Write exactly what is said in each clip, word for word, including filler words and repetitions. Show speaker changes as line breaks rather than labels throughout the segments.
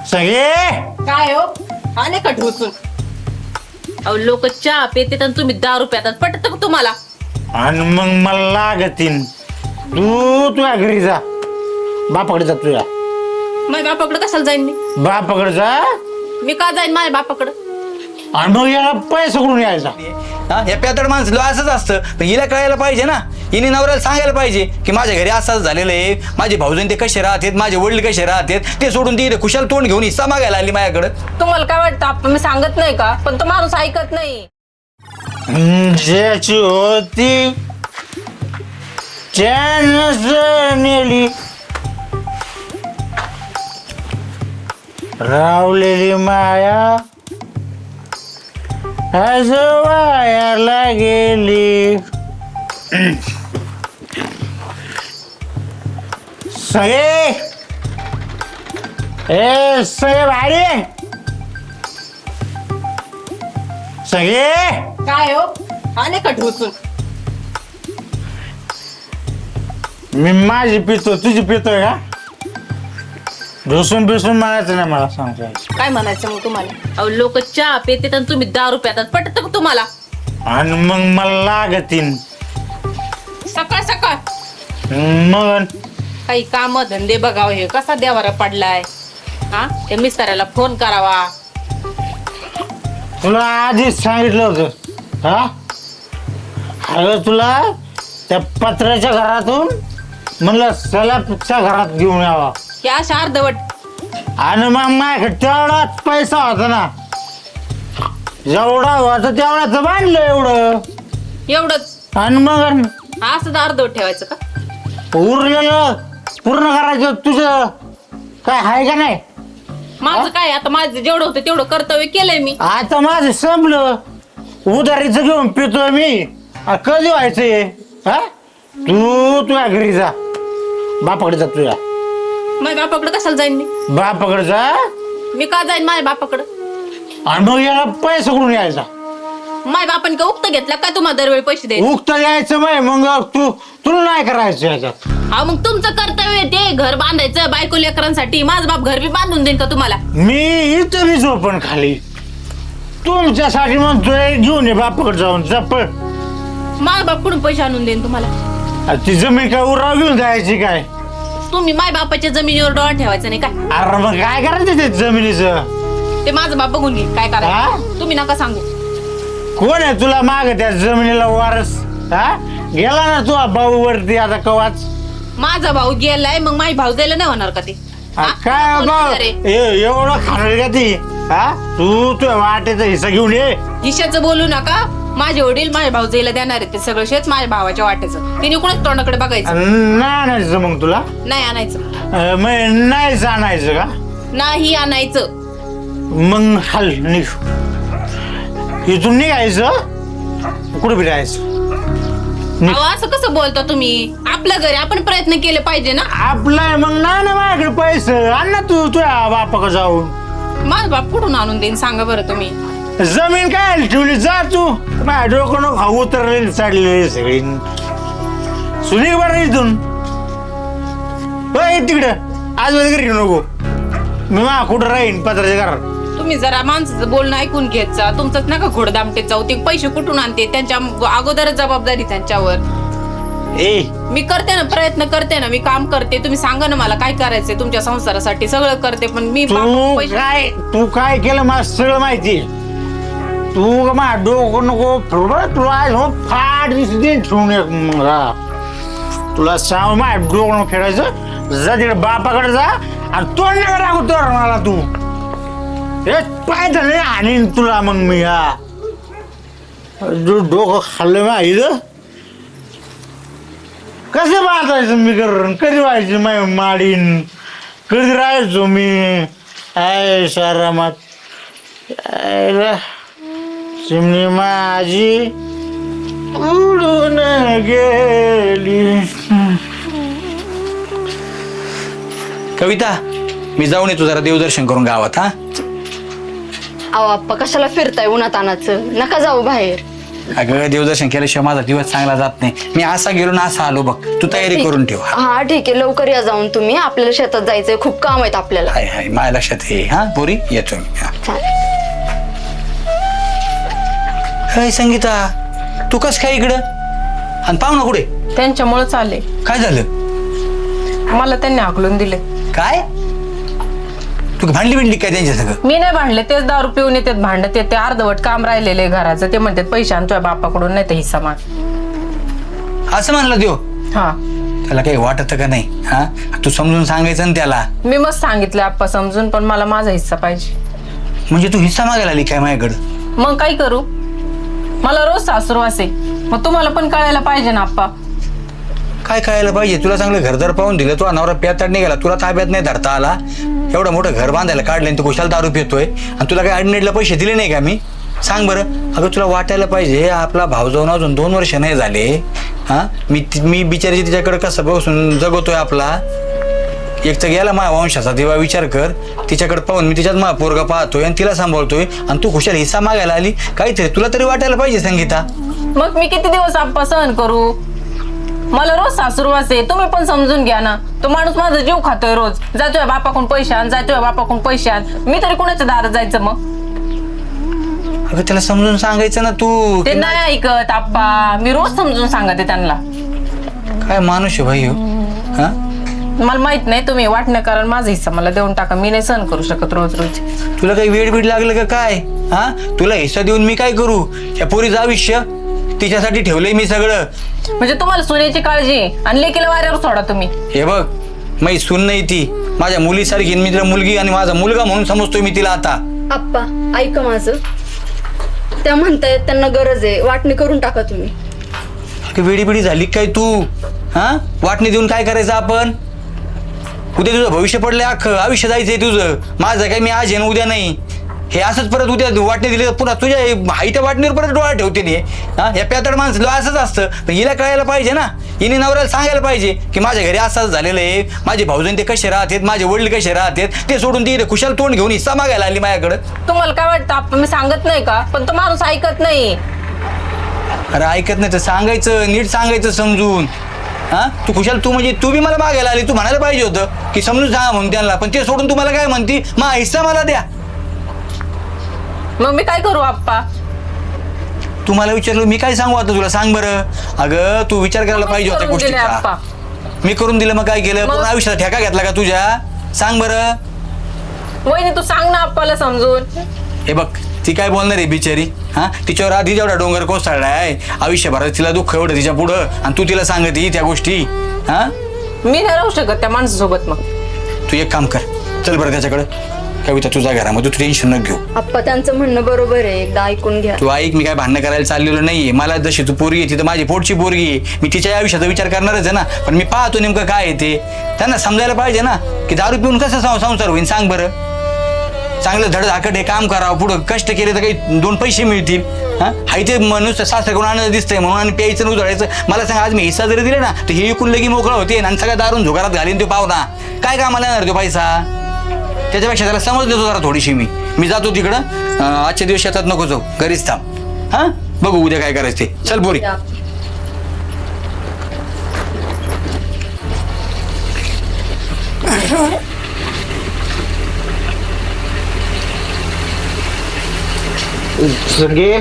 सगळे
काय हो आले का ढोसून? अहो लोक चहा पितात आणि तुम्ही दारू पितात, पटत का तुम्हाला?
आणि मग मला लागतीन. तू तुझ्या घरी जा, बापाकडे जा तुझ्या.
माझ्या बापाकडे कशाला जाईन मी?
बापाकडे जा
मी का जाईन माझ्या बापाकडे?
आणि मग याला पैसा कुठून यायचा?
हा हे प्यातड माणसं असंच असतं, पण हिला कळायला पाहिजे ना. हिने नवऱ्याला सांगायला पाहिजे की माझ्या घरी असंच झालेलं आहे, माझे भाऊजन ते कसे राहतात, माझे वडील कसे राहतात, ते सोडून ती इथे खुशाल तोंड घेऊन हिस्सा मागायला आली माझ्याकडे.
तुम्हाला काय वाटतं आपण मी सांगत नाही का? पण तो माणूस ऐकत नाही.
ज्याची होती त्यानंच नेली, रावलेली माया आज वायाला गेली. सगळे ए सगळे भारी सगळे
काय हो आले का ढोसून?
मी माझी पितो तुझी पितोय का? ढोसून बिसून म्हणायचं नाही मला, सांगतो.
काय म्हणायचं मग तुम्हाला? अहो लोक चहा पितात आणि तुम्ही दारू पितात, पटत का तुम्हाला?
आणि मग मला लागतीन.
सकाळ सकाळ
मग
काही काम धंदे बघावं, हे कसा देवारा पडलाय. हा त्या मिस्टराला फोन करावा.
तुला आधीच सांगितलं होतं. हा अगं तुला त्या पत्र्याच्या घरातून म्हणलं सलापच्या घरात घेऊन यावा.
हे अशा अर्धवट
आणि मग माझ्याकडे तेवढाच पैसा होता ना, जेवढा होता तेवढाच बांधलं एवढं.
एवढंच
आणि मग
असं तर अर्धवट ठेवायचं का?
उरलेलं पूर्ण करायचं तुझं काय आहे का नाही?
माझं काय आता, माझं जेवढं होतं तेवढं कर्तव्य केलंय मी.
आता माझं संपलं, उधारीचं घेऊन पितोय मी. आ, कधी व्हायचंय? हा तू तुझ्या घरी जा, बापाकडे जा तुझ्या.
माझ्या बापाकडे कशाला जाईन मी?
बापाकडे जा.
मी का जाईन माझ्या बापाकडे?
आणि मग याला पैसा कुठून यायचा?
माझ्या बापाने का उक्त घेतला काय तुम्हाला दरवेळी पैसे द्यायचे?
उगता यायचं माय, मग तू तुला नाही करायचं याच्यात.
हा मग तुमचं कर्तव्य आहे ते घर बांधायचं बायको लेकरांसाठी. माझं बाप घर बी बांधून देईन का तुम्हाला?
मी इथं बी झोपण खाली तुमच्यासाठी म्हणतोय, घेऊन ये बापाकडे जाऊन चप्पल.
माझा बाप कुठून पैसे आणून देईन तुम्हाला?
ती जमीन काय उराव घेऊन जायची काय?
तुम्ही माझ्या बापाच्या जमिनीवर डोळा ठेवायचा नाही काय?
अरे मग काय करायचं ते जमिनीचं?
ते माझं बाप बघून घेईन काय
हा?
करायचं. तुम्ही नका सांगू.
कोण आहे तुला माग त्या जमिनीला वारस? हा गेला ना तू भाऊ वरती आता कवाच.
माझा भाऊ गेलाय, मग माझी भाऊ जायला नाही होणार का ते? हा?
काय
कोण
भाऊ
विचारे?
ए- एवढं खाणार का ती? हा तू तुझ्या वाटेचा हिस्सा घेऊन ये.
हिशाचं बोलू नका. माझे वडील माझ्या भाऊ जायला देणार आहेत ते सगळं शेत माझ्या भावाच्या वाट्याचं. तिने कोणाच तोंडाकडे बघायचं
नाही आणायचं मग तुला?
नाही आणायचं.
अं, मग नाहीच आणायचं का?
नाही आणायचं.
मग हाल निघ इथून, निघायचं कुठे फिरायचं?
अहो असं कसं बोलता तुम्ही? आपल्या घरी आपण प्रयत्न केले पाहिजे ना.
आपलं आहे मग. ना ना माझ्याकडे पैसे आण ना तू तुझ्या बापाकडे जाऊन.
माझा बाप कुठून आणून देईन सांगा बरं तुम्ही?
जमीन काय ठेवली जा तू. माझ्या डोकं नको खाऊ, उतरलेली चाललेली सगळी. सुनी बरं इथून तिकडं आज घरी नको. मी मा कुठं राहीन पत्राच्या घरात.
तुम्ही जरा माणसाचं बोलणं ऐकून घेत जा. तुमचंच नका घोडदामटेत जाऊ. ते पैसे कुठून आणते त्यांच्या अगोदरच जबाबदारी त्यांच्यावर.
ए
मी करते ना, प्रयत्न करते ना, मी काम करते. तुम्ही सांगा ना मला काय करायचंय तुमच्या संसारासाठी. सगळं करते पण मी
तू
बाप पैसे
काय तू काय केलं मला सगळं माहिती. तू मा डोकं नको थोडं तुला आज हो फाट दिसते ठेवून एक मग हा. तुला सांग मा डोकं नको खेळायचं. जा तिकडे बापाकडे जा आणि तोंड नका टाकू तर मला तू. हे पाय तर नाही आणीन तुला मग मी. हा डोकं खाल्लं मा इथं. कसं बांधायचं मी कर कधी व्हायचं माय माडीन कधी राहायचो मी. आय सारामात चिमणी माझी उडून गेली.
कविता, मी जाऊन येतो जरा देवदर्शन करून गावात. हा
अहो आप्पा कशाला फिरताय उन्हातानाचं? नका जाऊ बाहेर.
अगं देवदर्शन केल्याशिवाय माझा दिवस चांगला जात नाही. मी असा गेलो ना असा आलो बघ. तू तयारी करून ठेव.
हा ठीक आहे, लवकर या जाऊन तुम्ही. आपल्याला शेतात जायचंय, खूप काम आहेत आपल्याला.
हाय हाय माझ्या लक्षात ये. हा पोरी येतो मी. हा.
चालेल.
हाय संगीता, तू कस काय इकडं आणि पाहुणा कुठे?
त्यांच्यामुळे चालले.
काय झालं?
मला त्यांनी हाकलून दिले.
काय तू भांडली बिंडली काय त्यांच्या सगळं?
मी नाही भांडले, तेच दारू पिऊन येतात भांडत येते. अर्धवट काम राहिलेले घराचं, ते म्हणतात पैसे आणतोय बापाकडून, नाही तर हिस्सा माग.
असं म्हणला देव?
हा.
त्याला काही वाटत का नाही? हा तू समजून सांगायचं ना त्याला.
मी मस्त सांगितलं आप्पा समजून, पण मला माझा हिस्सा पाहिजे.
म्हणजे तू हिस्सा मागायला आली काय माझ्याकडं?
मग काय करू? मला रोज सासुरवास आहे, मग तुम्हाला पण कळायला पाहिजे ना आप्पा.
काय कळायला पाहिजे? तुला चांगलं घरदार पाहून दिलं, तू नवरा प्याताड निघाला, तुला ताब्यात नाही धरता आला. एवढं मोठं घर बांधायला काढलं आणि तू कुशाल दारू पितोय आणि तुला काही अडनेडला पैसे दिले नाही का मी? सांग बरं. अगं तुला वाटायला पाहिजे आपला भाऊ जाऊन अजून दोन वर्ष नाही झाले. हा मी मी बिचारी तिच्याकडे कसं बसून जगवतोय आपला. एक तर गेला माझ्या वंशाचा दिवा, विचार कर. तिच्याकडे पाहून मी तिच्यात माझा पोरगा पाहतोय आणि तिला सांभाळतोय आणि तू खुशाल हिस्सा मागायला आली. काहीतरी तुला तरी वाटायला पाहिजे संगीता.
मग मी किती दिवस आप्पा सहन करू? मला रोज सासुरवास आहे, तुम्ही पण समजून घ्या ना. तो माणूस माझा जीव खातोय रोज. जातोय बापाकडून पैसे आण, जातोय बापाकडून पैसे आण. मी तरी कुणाच्या दारात जायचं मग?
अगं त्याला समजून सांगायचं ना तू.
ते नाही ऐकत आप्पा. मी रोज समजून सांगते त्यांना.
काय माणूस आहे भाई हो. हा
मला माहित नाही, तुम्ही वाटणं कारण माझा हिस्सा मला देऊन टाका. मी नाही सहन करू शकत रोज रोज.
तुला काही वेळ बीड लागलं का काय? हा तुला हिस्सा देऊन मी काय करू? या पोरीचं आयुष्य तिच्यासाठी ठेवलंय मी सगळं.
म्हणजे तुम्हाला सोन्याची काळजी आहे आणि लेकीला वाऱ्यावर सोडा तुम्ही.
हे बघ मी सून नाही ती, माझ्या मुलीसारखी. मी तिला मुलगी आणि माझा मुलगा म्हणून समजतोय मी तिला आता.
आप्पा ऐका माझं. त्या म्हणतायत त्यांना गरज आहे, वाटणी करून टाका तुम्ही.
वेडी बिडी झाली काय तू? हा वाटणी देऊन काय करायचं आपण? उद्या तुझं भविष्य पडलंय, अख्खं आयुष्य जायचंय तुझं. माझं काय मी आज आहे ना उद्या नाही. हे असंच परत उद्या वाटणी दिली तर पुन्हा तुझ्या हाईच्या वाटणीवर परत डोळा ठेवते नाही. हा या प्यातड माणसं असंच असतं. पण हिला कळायला पाहिजे ना. हिने नवऱ्याला सांगायला पाहिजे की माझ्या घरी असंच झालेलं आहे. माझे भाऊजन ते कसे राहतात, माझे वडील कसे राहतात, ते सोडून ती खुशाल तोंड घेऊन हिस्सा मागायला आली माझ्याकडं.
तुम्हाला काय वाटतं आप्पा मी सांगत नाही का? पण तो माणूस ऐकत नाही.
अरे ऐकत नाही तर सांगायचं, नीट सांगायचं समजून. हा तू खुशाल तू म्हणजे तू बी मला मागायला आली, तू म्हणायला पाहिजे होतं की समजून सांगा म्हणून त्यांना. पण ते सोडून तुम्हाला काय म्हणती, मा हिस्सा मला द्या.
मग मी काय करू आप्पा?
तू मला विचारलं मी काय सांगू आता तुला? सांग बरं. अगं तू विचार करायला पाहिजे होत्या
करून दिले आप्पा.
गोष्टीचा. मी करून दिलं मग काय केलं?
मग?
पूर्ण आयुष्याचा ठेका घेतला का तुझ्या? सांग बरं.
वहिनी तू सांग ना आप्पाला समजून.
हे बघ ती काय बोलणार आहे बिचारी. हा तिच्यावर आधी जेवढा डोंगर कोसळला आहे आयुष्यभरात, तिला दुःख एवढं तिच्या पुढं आणि तू तिला सांगते त्या गोष्टी. हा
मी नाही राहू शकत त्या माणसासोबत. मग
तू एक काम कर, चल बरं त्याच्याकडे. कविता तुझ्या घरामध्ये तू टेन्शन न घेऊ.
आप्पा त्यांचं म्हणणं बरोबर आहे, एकदा ऐकून घ्या.
तू ऐक, मी काय भांडणं करायला चाललेलो नाहीये. मला जशी तू पोरगी आहे ती तर माझी पोटची पोरगी आहे. मी तिच्या आयुष्याचा विचार करणारच आहे ना. पण मी पाहतो नेमकं काय आहे ते. त्यांना समजायला पाहिजे ना की दारू पिऊन कसं सं- संसार होईल. सांग बरं. चांगलं धडधाकट हे काम करावं, पुढं कष्ट केले तर काही दोन पैसे मिळतील. हा हाय ते मनुष्य सासऱ्याकडून आनंद दिसतंय म्हणून आणि प्यायचं आणि उधळायचं. मला सांग आज मी हिस्सा जरी दिला ना तर हे इकून लगी मोकळा होते आणि सगळ्या दारून झुगारात घालीन तो पाहुणा. काय कामाला येणार तो पैसा? त्याच्यापेक्षा त्याला समज देतो जरा थोडीशी. मी मी जातो तिकडं. अं, आजच्या दिवस शेतात नको जाऊ, घरीच थांब. हा बघू उद्या काय करायचं ते. चल बोरी.
सगळे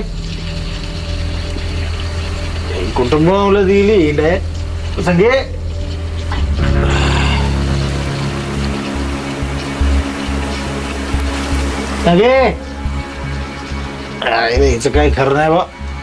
कुटुंब दिली डाय सगळे. सगळे काय रे, हिचं काय खरं नाही बा.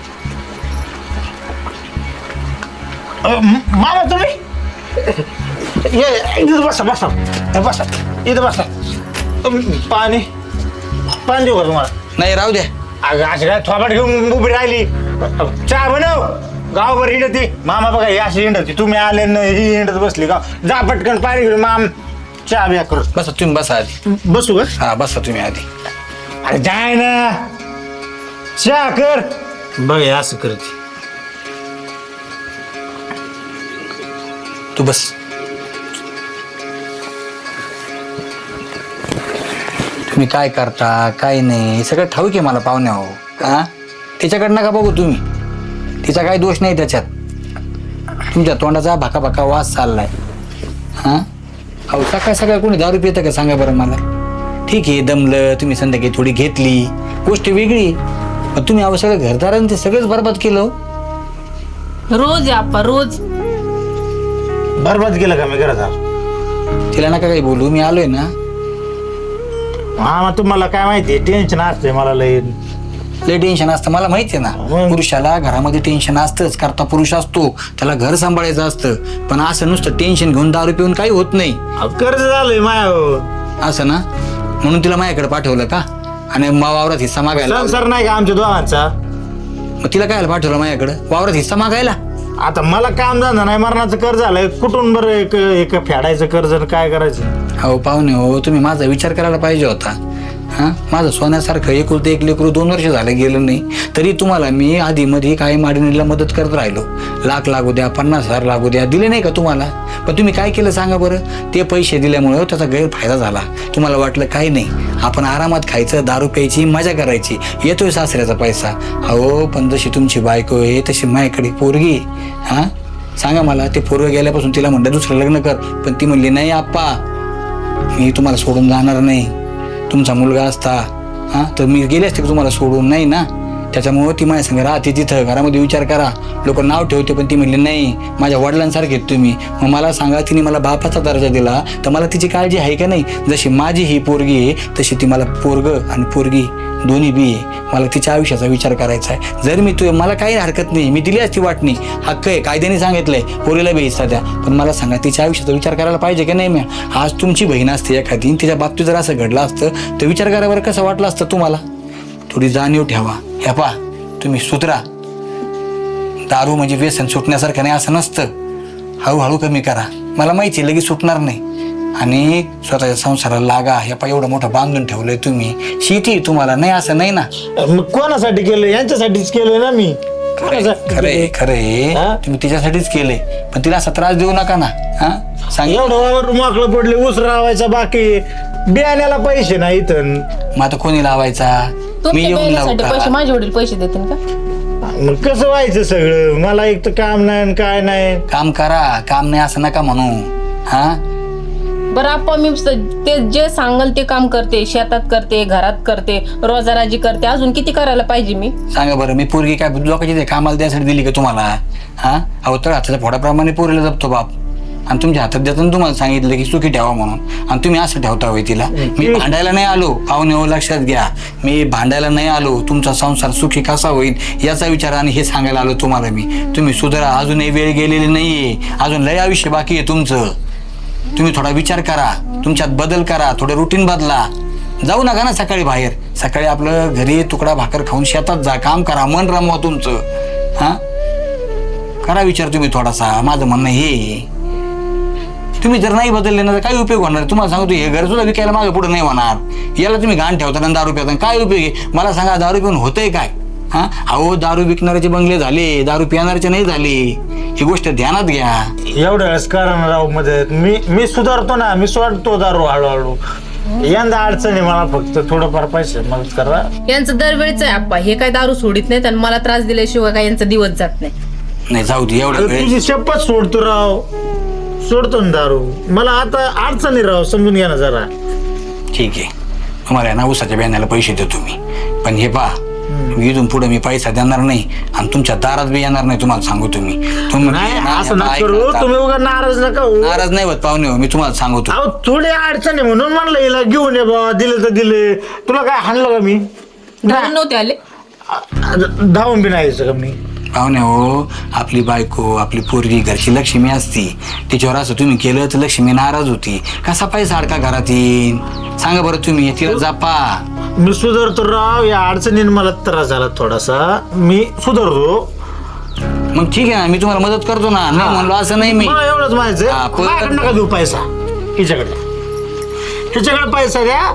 अ, म- मामा तुम्ही ये इथं बसा बसा हे बसा इथं बसा. अम, पाणी पाणी देऊ का तुम्हाला?
नाही राहू द्या.
अगं असं काय थोपाट घेऊन उभी राहिली. चहा बनव. गावभर हिंडती. मामा बघा ही अशी हिंडती. तुम्ही आले न ही हिंडत बसली का? जा पटकन पाणी घेऊन माम चहा बिया करू.
बसा तुम्ही, बसा आधी.
बसू का?
हा बसा तुम्ही आधी.
अरे जाय ना, चहा कर. बघ हे असं करते.
तू बस. तुम्ही काय करता काय नाही सगळं ठाऊक आहे मला पाहुण्या. हो हा त्याच्याकडं नका बघू तुम्ही. तिचा काही दोष नाही त्याच्यात. तुमच्या तोंडाचा भाका भाका वास चाललाय. हां अहो सकाळ सकाळ कोणी दारू पितं का सांगा बरं मला. ठीक आहे दमलं तुम्ही संध्याकाळी थोडी घेतली गोष्ट वेगळी, पण तुम्ही अहो सगळं घरदारानं ते सगळंच बरबाद केलं.
रोज आहे आप्पा रोज.
बरबाद केलं का मी घरात?
तिला नका काही बोलू, मी आलोय ना.
हा मग तुम्हाला काय माहिती टेन्शन असते मला लय.
लय टेन्शन असतं मला माहिती आहे ना.
मग?
पुरुषाला घरामध्ये टेन्शन असतंच, करता पुरुष असतो, त्याला घर सांभाळायचं असतं. पण असं नुसतं टेन्शन घेऊन दारू पिऊन काही होत नाही.
अहो, कर्ज झालंय माया.
असं ना, म्हणून तिला माझ्याकडे पाठवलं का? आणि मा- वावरात हिस्सा मागायला
संसार नाही का आमच्या दोघांचा?
मग तिला काय पाठवलं माझ्याकडे वावरात हिस्सा मागायला?
आता मला काम धंदा नाही, मरणाचं कर्ज झालंय, कुठून बरं एक एक फेडायचं कर्ज आणि काय करायचं?
हो पाहुणे हो, तुम्ही माझा विचार करायला पाहिजे होता. हां माझं सोन्यासारखं एकुलते एक लेकरू दोन वर्ष झालं गेलं नाही, तरी तुम्हाला मी आधी मध्ये काही माडणीला मदत करत राहिलो. लाख लागू द्या, पन्नास हजार लागू द्या, दिले नाही का तुम्हाला? पण तुम्ही काय केलं सांगा बरं? ते पैसे दिल्यामुळं त्याचा गैरफायदा झाला. तुम्हाला वाटलं काही नाही, आपण आरामात खायचं, दारू प्यायची, मजा करायची, येतोय सासऱ्याचा पैसा. अहो पण जशी तुमची बायको आहे तशी माझ्याकडे पोरगी. हां सांगा मला, ते पोरगं गेल्यापासून तिला म्हणलं दुसरं लग्न कर, पण ती म्हणली नाही आप्पा मी तुम्हाला सोडून जाणार नाही. तुमचा मुलगा असता हां तर मी गेले असते तुम्हाला सोडून, नाही ना. त्याच्यामुळं ती माझ्या संग राहते तिथं, घरामध्ये विचार करा. लोक नाव ठेवते पण ती म्हणली नाही माझ्या वडिलांसारखे आहेत तुम्ही. मग मला सांगा, तिने मला बापाचा दर्जा दिला तर मला तिची काळजी आहे का नाही? जशी माझी ही पोरगी आहे तशी ती मला पोरगं आणि पोरगी दोन्ही बी आहे. मला तिच्या आयुष्याचा विचार करायचा आहे. जर मी तू मला काही हरकत नाही, मी दिली असती वाटणी, हक्क आहे, कायद्याने सांगितलंय पोरीला बी हिस्सा द्या. पण मला सांगा तिच्या आयुष्याचा विचार करायला पाहिजे की नाही? मी आज तुमची बहीण असते एखादी, तिच्या बाबतीत जर असं घडलं असतं तर विचार करावर कसं वाटलं असतं तुम्हाला? थोडी जाणीव ठेवा. ह्या पा तुम्ही सुधरा. दारू म्हणजे व्यसन सुटण्यासारखं नाही असं नसतं. हळूहळू कमी करा. मला माहिती लगेच सुटणार नाही. आणि स्वतःच्या संसाराला लागा. ह्या पा एवढं मोठं बांधून ठेवलंय तुम्ही, शेती तुम्हाला नाही असं नाही ना.
मग कोणासाठी केलं? यांच्यासाठीच केलंय ना मी.
खरंय खरंय
हा?
तुम्ही तिच्यासाठीच केले, पण तिला असा त्रास देऊ नका ना. हा सांग.
एवढं वावर माकलं पडले, ऊस रावायचा बाकी, बियाण्याला पैसे नाही इथं.
मग आता कोणी लावायचा? मी
तुमच्या
येऊन लावू
बहिणीसाठी पैसे
का?
माझे वडील पैसे देतील का?
मग कसं व्हायचं सगळं? मला एक तर काम नाही आणि काय नाही.
काम करा, काम नाही असं नका म्हणू. हा
बरं आप्पा मी स- ते जे सांगल ते काम करते, शेतात करते, घरात करते, रोजाराजी करते, अजून किती करायला पाहिजे मी?
सांगा बरं, मी पोरगी काय लोकांची ते कामाला द्यायसाठी दिली का तुम्हाला? हा अहो तर हाताच्या फोडाप्रमाणे पोरीला जपतो बाप, आणि तुमच्या हातात देताना तुम्हाला सांगितलं की सुखी ठेवा म्हणून, आणि तुम्ही असं ठेवता होय तिला. मी भांडायला नाही आलो पाहुणे हो, लक्षात घ्या. मी भांडायला नाही आलो, तुमचा संसार सुखी कसा होईल याचा विचार आणि हे सांगायला आलो तुम्हाला मी. तुम्ही सुधारा, अजूनही वेळ गेलेली नाहीये, अजून लय आयुष्य बाकी आहे तुमचं. तुम्ही थोडा विचार करा, तुमच्यात बदल करा, थोडं रुटीन बदला. जाऊ नका ना सकाळी बाहेर, सकाळी आपलं घरी तुकडा भाकर खाऊन शेतात जा, काम करा, मन रमवा तुमचं. हा करा विचार तुम्ही थोडासा. माझं म्हणणं हे, तुम्ही जर नाही बदलले ना तर काय उपयोग होणार? तुम्हाला सांगतो, हे घर सुद्धा विकायला मागे पुढे नाही होणार. याला तुम्ही घाण ठेवताना दारू पिता, काय उपयोग आहे? मला सांगा, दारू पिऊन होतंय काय? हा अहो दारू विकणाऱ्याचे बंगले झाले, दारू पिणाऱ्याचे नाही झाले. ही गोष्ट ध्यानात घ्या.
एवढ्या वेळेस करा ना राव मदत. मी मी सुधारतो ना, मी सोडतो दारू हळूहळू. यंदा अडचण आहे मला, फक्त थोडंफार पैसे मदत करा.
यांचं दरवेळीच आहे आप्पा, हे काय दारू सोडित नाहीत आणि मला त्रास दिल्याशिवाय काय यांचा दिवस जात नाही.
नाही जाऊ दे, एवढं वेळ
तुझी शपथ सोडतो राव, सोडतो ना दारू. मला आता अडचण आहे राव, समजून घ्या ना जरा.
ठीक आहे. तुम्हाला ना उसाच्या बियाण्याला पैसे देतो मी, पण हे पहा, इथून पुढे मी पैसा देणार नाही आणि तुमच्या दारात बी येणार नाही. तुम्हाला सांगू, तुम्ही तुम्ही
नाही
ना-
असं
ना-
नका
ऐका
करू,
ना.
तुम्ही उगा नाराज नका होऊ.
नाराज नाही होत पाहुणे हो, मी तुम्हाला सांगतो.
अहो थोडी अडचण आहे म्हणून म्हणलं हिला घेऊन ये बाबा. दिले तर दिले. तुला काय हाणलं का मी?
धावून नव्हते आले.
धावून बी नाही यायचं का मी?
पाहुणे हो, आपली बायको, आपली पोरगी घरची लक्ष्मी असती, तिच्यावर असं तुम्ही केलं तर लक्ष्मी नाराज होती. कसा पैसा अडका घरात येईन? सांगा बरं तुम्ही. तिला जपा.
मी सुधारतो राव. या अडचणीने मला त्रास झाला थोडासा, मी सुधारतो.
मग ठीक आहे ना, मी तुम्हाला मदत करतो ना. नाही म्हणलो असं नाही मी.
मला एवढंच
हा,
माहिती
पण-
माझ्याकडे नका देऊ पैसा. हिच्याकडे हिच्याकडे पैसा द्या.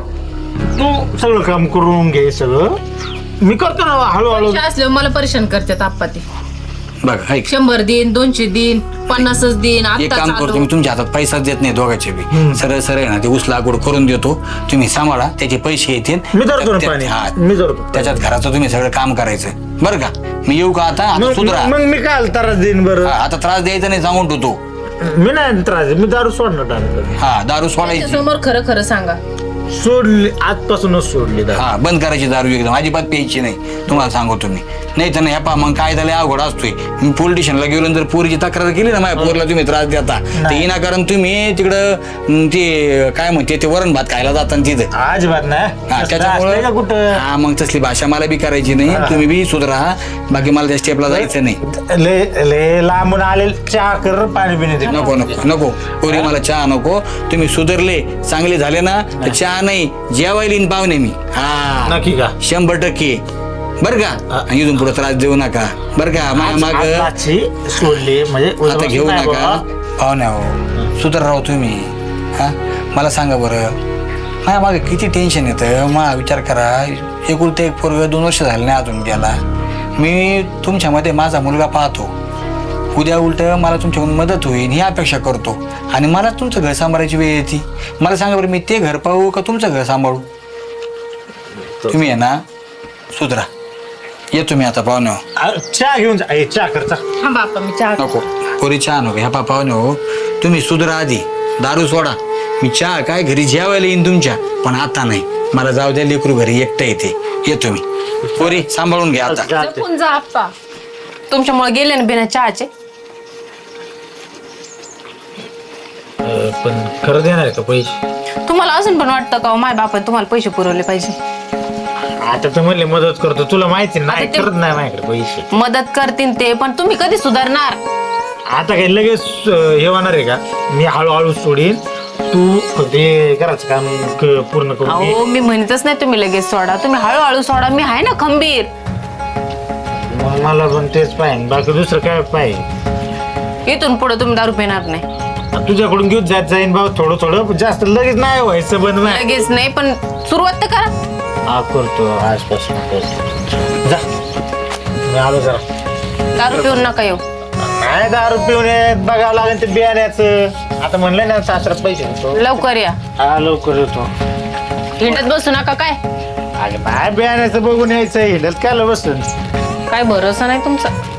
तू सगळं काम करून घे, सगळं मी करतो ना हळूहळू.
पैसे असल्यावर मला परेशान करतात आप्पा ते.
बघा ऐक,
शंभर दिन, दोनशे दिन, पन्नासच दिन.
एक
आता
काम करतो मी, तुमच्या हातात पैसाच देत नाही दोघांचे बी. सरळ सरळ ना ते ऊस लागवड करून देतो, तुम्ही सांभाळा, त्याचे पैसे येतील.
मी धरतो ना
त्या-
पाणी.
हा,
मी धरतो.
त्याच्यात घराचं तुम्ही सगळं काम करायचं बरं का. मी येऊ का आता आता
मग
सुधरा
मग मी काय त्रास देईन बरं?
हा, आता त्रास द्यायचा नाही सांगून ठेवतो.
मी नाही त्रास देईन, मी दारू सोडणार डायरेक्ट.
हा दारू सोडायची.
समोर खरं खरं सांगा.
सोडली, आजपासूनच सोडली दारू.
हा बंद करायची दारू एकदम अजिबात प्यायची नाही तुम्हाला सांगतो मी. नाही तर नाही पा मग काय झालं अवघड असतोय. मी पोलीस स्टेशनला गेलो आणि जर पोरीची तक्रार केली ना माझ्या पोरला तुम्ही त्रास देता तर विनाकारण तुम्ही तिकडं अं, ते काय म्हणते ते वरण भात खायला जाता तिथं.
अजिबात नाही
हा
असलं असतंय का
त्याच्यामुळे
कुठं?
हा मग तसली भाषा मला बी करायची नाही. तुम्ही बी सुधरा. बाकी मला त्या स्टेपला जायचं नाही.
ले ले लांबून आले चहा कर, पाणी पिणे दे.
नको नको नको पोरी मला चहा नको. तुम्ही सुधरले चांगले झाले ना तर चहा नाही जेवायला येईन पाहुणे मी. हा
नक्की का?
शंभर टक्के बरं का. आणि इथून पुढे त्रास देऊ नका बरं का. माझ्या माग
आजची सोडली म्हणजे
आता घेऊ
नाही
नका
बाबा.
पाहुण्या हो सुधर राहू तुम्ही. हा मला सांगा बरं माझ्या मागे किती टेन्शन येतं. मला विचार करा एकुलते एक पोरग दोन वर्ष झाले नाही अजून गेला. मी तुमच्यामध्ये माझा मुलगा पाहतो. उद्या उलट मला तुमच्याकडून मदत होईल ही अपेक्षा करतो आणि मला तुमचं घर सांभाळायची वेळ येते. मला सांगा बरं मी ते घर पाहू का तुमचं घर सांभाळू. तुम्ही आहे ना सुधरा. येतो मी आता पाहुणे हो.
आ, चहा घेऊन जा. ए, चहा कर चहा.
हा बापा मी चहा
नको पोरी चहा नको ह्या पाहुणे हो. तुम्ही सुधरा आधी दारू सोडा. मी चहा काय घरी जेवायला येईन तुमच्या पण आता नाही. मला जाऊ द्या लेकरू घरी एकटं येते. येतो मी. पोरी सांभाळून घ्या आता.
चहा.
जपून जा आप्पा. तुमच्यामुळे गेले ना बिना चहाचे.
अ, पण खरं देणार आहे का पैसे?
तुम्हाला अजून पण वाटतं का माझ्या बापाने तुम्हाला पैसे पुरवले पाहिजे.
आता तर म्हणले मदत करतो तुला माहिती नाही
आता ते-
करत नाही माझ्याकडे पैसे.
मदत करतील ते पण तुम्ही कधी सुधारणार.
आता काही लगेच अ, हे होणार आहे का? मी हळूहळू सोडीन. तू फक्त हे करायचं काम क- पूर्ण करून घे.
अहो मी म्हणतच नाही तुम्ही लगेच सोडा. तुम्ही हळूहळू सोडा. मी आहे ना खंबीर.
मग मला पण तेच पाहिजे बाकी दुसरं काय पाहिजे.
इथून पुढे तुम्ही दारू पिणार नाही.
तुझ्याकडून घेऊन जात जाईन भाऊ थोडं थोडं जास्त लगेच नाही व्हायचं बंद नाही.
लगेच नाही पण सुरुवात तर करा.
हा करतो आजपासून करतो. जा मी आलो जरा.
दारू पिऊन नका येऊ.
नाही दारू पिऊन येत बघावं लागेल ते बियाण्याचं. आता म्हणलं ना सासरात पैसे देतो.
लवकर या.
हा लवकर येतो.
हिंडत बसू नका. काय
अरे बाय बियाण्याचं बघून यायचं हिंडत काय बसून.
काय भरोसा नाही तुमचा.